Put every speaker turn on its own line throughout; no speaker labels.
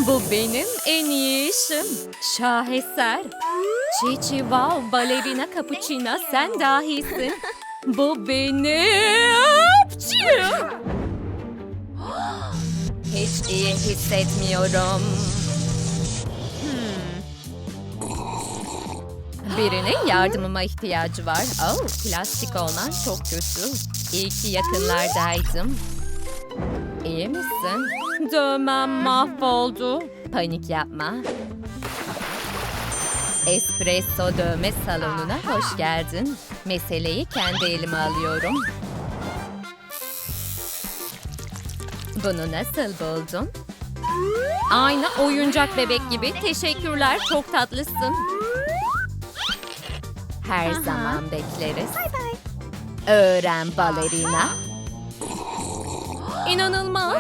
Bu benim en iyi işim. Şaheser. Çiçi wow, balerina cappuccino sen dahisin. Bu benim. Hiç iyi hissetmiyorum. Birinin yardımıma ihtiyacı var. Oh, plastik olman çok kötü. İyi ki yakınlardaydım. İyi misin? Dövmem mahvoldu. Panik yapma. Espresso dövme salonuna hoş geldin. Meseleyi kendi elime alıyorum. Bunu nasıl buldun? Aynı oyuncak bebek gibi. Teşekkürler, çok tatlısın. Her zaman bekleriz. Öğren balerina. İnanılmaz.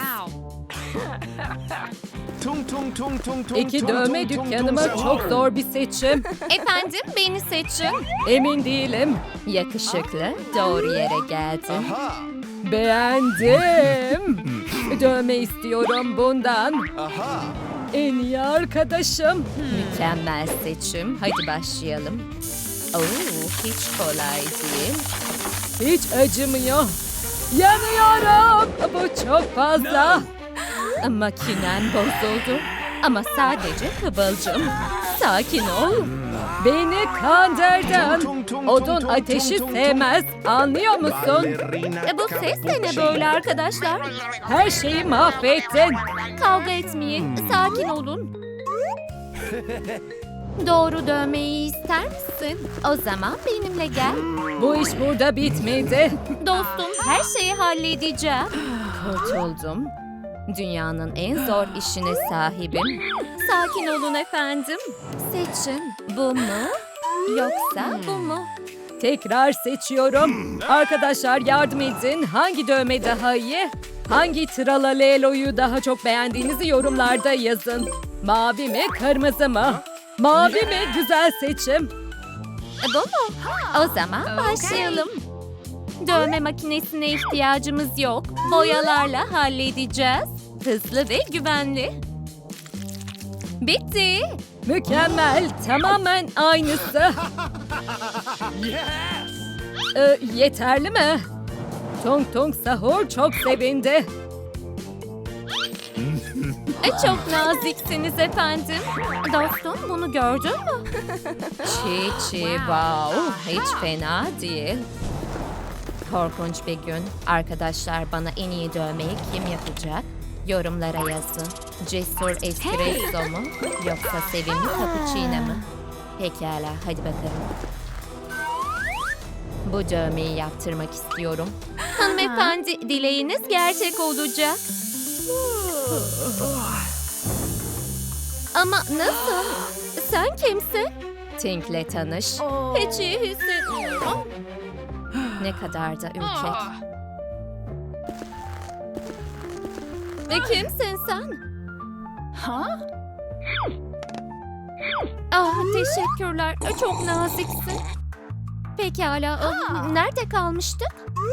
İki dövme dükkanıma çok zor bir seçim.
Efendim, beni seçin.
Emin değilim.
Yakışıklı, doğru yere geldin.
Beğendim. Dövme istiyorum bundan. En iyi arkadaşım.
Mükemmel seçim. Hadi başlayalım. Oo, hiç kolay değil.
Hiç acımıyor. Yanıyorum. Bu çok fazla.
Makinen bozuldu. Ama sadece kıvılcım. Sakin ol.
Beni kandırdın. Odun ateşi sevmez. Anlıyor musun?
Bu ses de ne böyle arkadaşlar?
Her şeyi mahvettin.
Kavga etmeyin. Sakin olun. Doğru dövmeyi ister misin? O zaman benimle gel.
Bu iş burada bitmedi.
Dostum, her şeyi halledeceğim. Kurtuldum. Dünyanın en zor işine sahibim. Sakin olun efendim. Seçin. Bu mu? Yoksa bu mu?
Tekrar seçiyorum. Arkadaşlar yardım edin. Hangi dövme daha iyi? Hangi Tralalelo'yu daha çok beğendiğinizi yorumlarda yazın. Mavi mi, kırmızı mı? Mavi mi? Güzel seçim.
Bu mu? O zaman başlayalım. Dövme makinesine ihtiyacımız yok. Boyalarla halledeceğiz. Hızlı ve güvenli. Bitti.
Mükemmel. Tamamen aynısı. Yeterli mi? Tong Tong Sahur çok sevindi.
Çok naziksiniz efendim. Dostum, bunu gördün mü? Çiçi wow. Hiç fena değil. Korkunç bir gün. Arkadaşlar, bana en iyi dövmeyi kim yapacak? Yorumlara yazın. Cesur espresso mu? Yoksa sevimli cappuccino mu? Pekala, hadi bakalım. Bu dövmeyi yaptırmak istiyorum. Hanımefendi, dileğiniz gerçek olacak. Ama nasıl? Sen kimsin? Tink'le tanış. Hiç iyi hissetmiyorum. Ne kadar da ürkek. Ve kimsin sen? Ah, teşekkürler. Çok naziksin. Pekala. Nerede kalmıştık?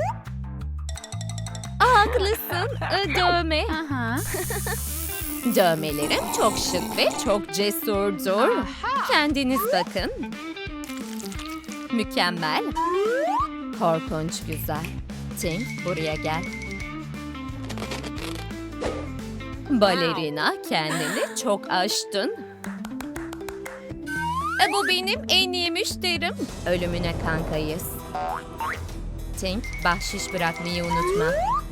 Haklısın. Dövme. Dövmelerim çok şık ve çok cesurdur. Kendiniz bakın. Mükemmel. Korkunç güzel. Tink, buraya gel. Balerina, kendini çok aştın. Bu benim en iyi müşterim. Ölümüne kankayız. Tink, bahşiş bırakmayı unutma.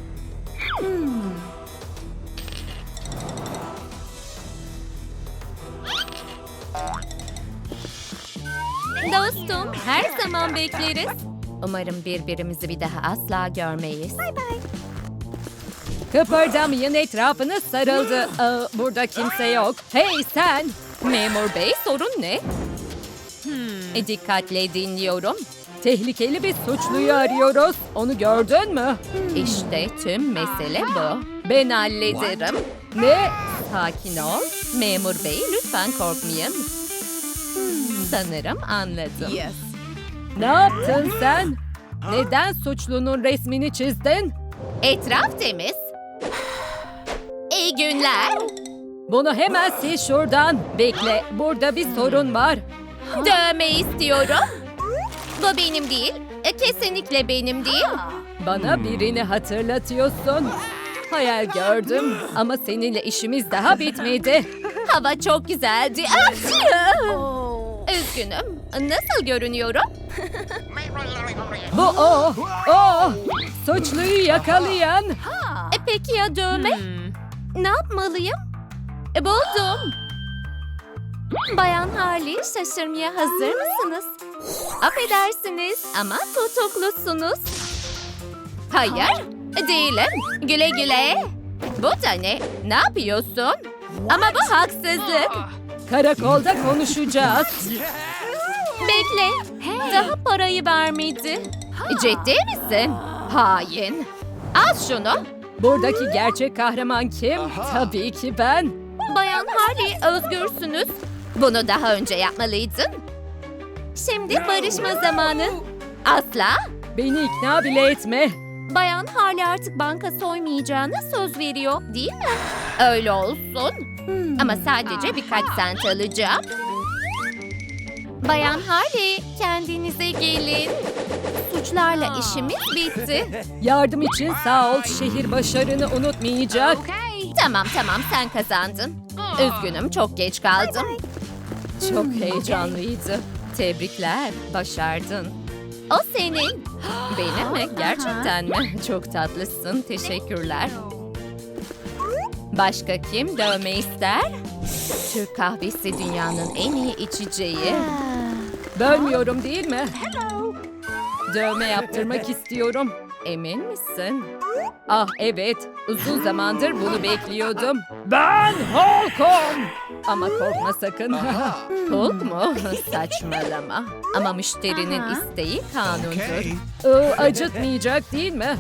Dostum, her zaman bekleriz. Umarım birbirimizi bir daha asla görmeyiz.
Kıpırdamayın, etrafınız sarıldı. Burada kimse yok. Hey sen!
Memur bey, sorun ne? Dikkatle dinliyorum.
Tehlikeli bir suçluyu arıyoruz. Onu gördün mü?
İşte tüm mesele bu. Ben hallederim.
Ne?
Sakin ol. Memur bey, lütfen korkmayın. Sanırım anladım.
Ne yaptın sen? Neden suçlunun resmini çizdin?
Etraf temiz. İyi günler.
Bunu hemen sil şuradan. Bekle, burada bir sorun var.
Dövme istiyorum. Bu benim değil. Kesinlikle benim değil.
Bana birini hatırlatıyorsun. Hayal gördüm ama seninle işimiz daha bitmedi.
Hava çok güzeldi. Achoo! Üzgünüm. Nasıl görünüyorum?
Bu o. Suçluyu yakalayan.
Peki ya dövme? Ne yapmalıyım? Buldum. Bayan Harley, şaşırmaya hazır mısınız? Affedersiniz ama tutuklusunuz. Hayır, değilim. Güle güle. Bu da ne? Ne yapıyorsun? Ama bu haksızlık.
Karakolda konuşacağız.
Bekle, daha parayı vermedi. Ciddi misin? Hain. Al şunu.
Buradaki gerçek kahraman kim? Tabii ki ben.
Bayan Harley, özgürsünüz. Bunu daha önce yapmalıydın. Şimdi barışma zamanı. Asla.
Beni ikna bile etme.
Bayan Harley artık banka soymayacağına söz veriyor, değil mi? Öyle olsun. Ama sadece birkaç sent alacağım. Bayan Harley, kendinize gelin. Suçlarla işimiz bitti.
Yardım için sağ ol. Şehir başarını unutmayacak.
Tamam, sen kazandın. Üzgünüm, çok geç kaldım.
Çok heyecanlıydı. Tebrikler, başardın.
O senin.
Benim mi? Gerçekten mi? Çok tatlısın, teşekkürler. Başka kim dövme ister? Türk kahvesi dünyanın en iyi içeceği. Bölmüyorum değil mi? Dövme yaptırmak istiyorum. Emin misin? Ah evet, uzun zamandır bunu bekliyordum. Ben Hulk'um! Ama korkma sakın. Hulk mu? Saçmalama. Ama müşterinin isteği kanundur. Acıtmayacak değil mi?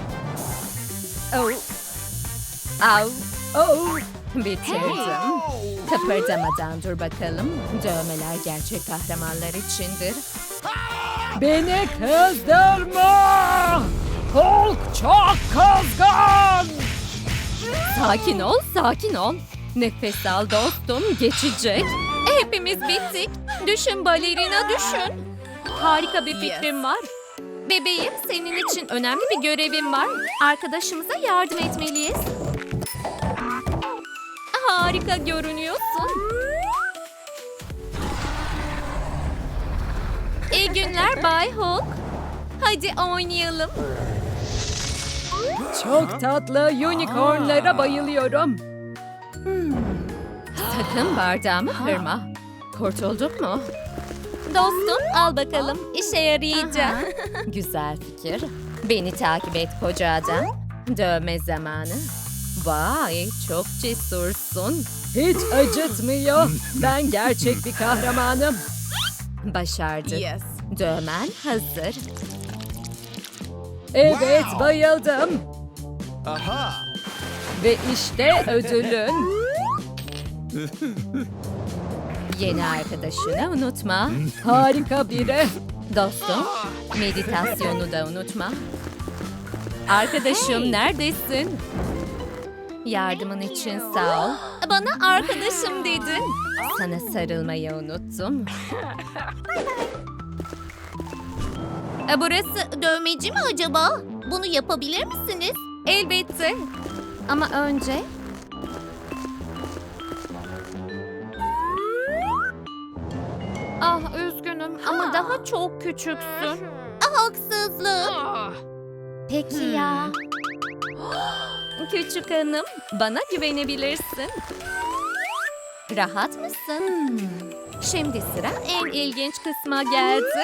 Au. Bitirdim. Kıpırdamadan dur bakalım. Dövmeler gerçek kahramanlar içindir. Beni kızdırma! Hulk çok kızgın! Sakin ol. Nefes al dostum, geçecek.
Hepimiz bittik. Düşün balerina, düşün. Harika bir fikrim var. Bebeğim, senin için önemli bir görevim var. Arkadaşımıza yardım etmeliyiz. Harika görünüyorsun. İyi günler Bay Hulk. Hadi oynayalım.
Çok tatlı unicornlara bayılıyorum. Sakın bardağımı kırma. Kurtulduk mu?
Dostum, al bakalım. İşe yarayacak.
Güzel fikir. Beni takip et koca adam. Dövme zamanı. Vay, çok cesursun. Hiç acıtmıyor. Ben gerçek bir kahramanım. Başardık. Dövmen hazır. Evet, bayıldım. Ve işte ödülün. Yeni arkadaşını unutma. Harika biri. Dostum, meditasyonu da unutma. Arkadaşım neredesin? Yardımın için sağ ol.
Bana arkadaşım dedin.
Sana sarılmayı unuttum.
Burası dövmeci mi acaba? Bunu yapabilir misiniz? Elbette. Ama önce... Ah üzgünüm ama daha çok küçüksün. Haksızlık. Peki ya. Küçük hanım, bana güvenebilirsin. Rahat mısın? Şimdi sıra en ilginç kısma geldi.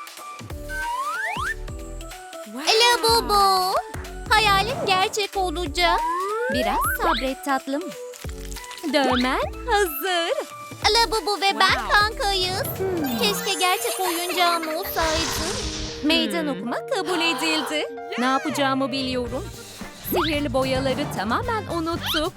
Labubu. Hayalin gerçek olacak. Biraz sabret tatlım. Dövmen hazır. Labubu ve ben kankayız. Keşke gerçek oyuncağım olsaydı. Meydan okuma kabul edildi. Ne yapacağımı biliyorum. Sihirli boyaları tamamen unuttuk.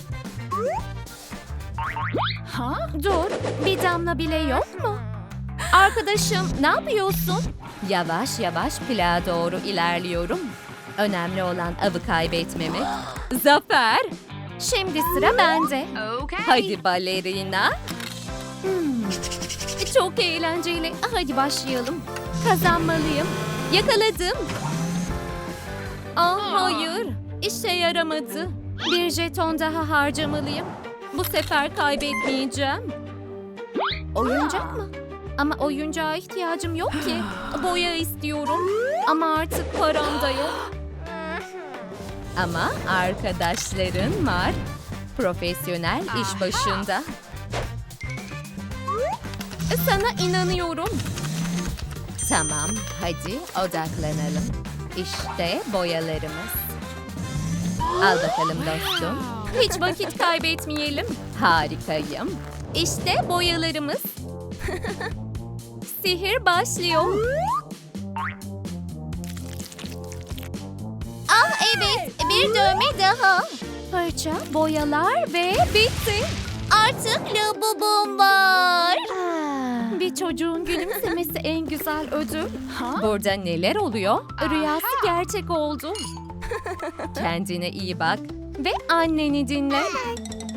Dur, bir damla bile yok mu? Arkadaşım, ne yapıyorsun?
Yavaş yavaş plağa doğru ilerliyorum. Önemli olan avı kaybetmemek. Zafer!
Şimdi sıra bende.
Hadi balerina.
Çok eğlenceli. Hadi başlayalım. Kazanmalıyım. Yakaladım. Hayır. İşe yaramadı. Bir jeton daha harcamalıyım. Bu sefer kaybetmeyeceğim. Oyuncak mı? Ama oyuncağa ihtiyacım yok ki. Boya istiyorum. Ama artık param da yok.
Ama arkadaşların var. Profesyonel iş başında.
Sana inanıyorum.
Tamam, hadi odaklanalım. İşte boyalarımız. Al bakalım dostum.
Hiç vakit kaybetmeyelim.
Harikayım.
İşte boyalarımız. Sihir başlıyor. Evet, bir dövme daha. Fırça, boyalar ve bitti. Artık labubum var. Bir çocuğun gülümsemesi en güzel ödül.
Burada neler oluyor?
Rüyası gerçek oldu.
Kendine iyi bak.
Ve anneni dinle.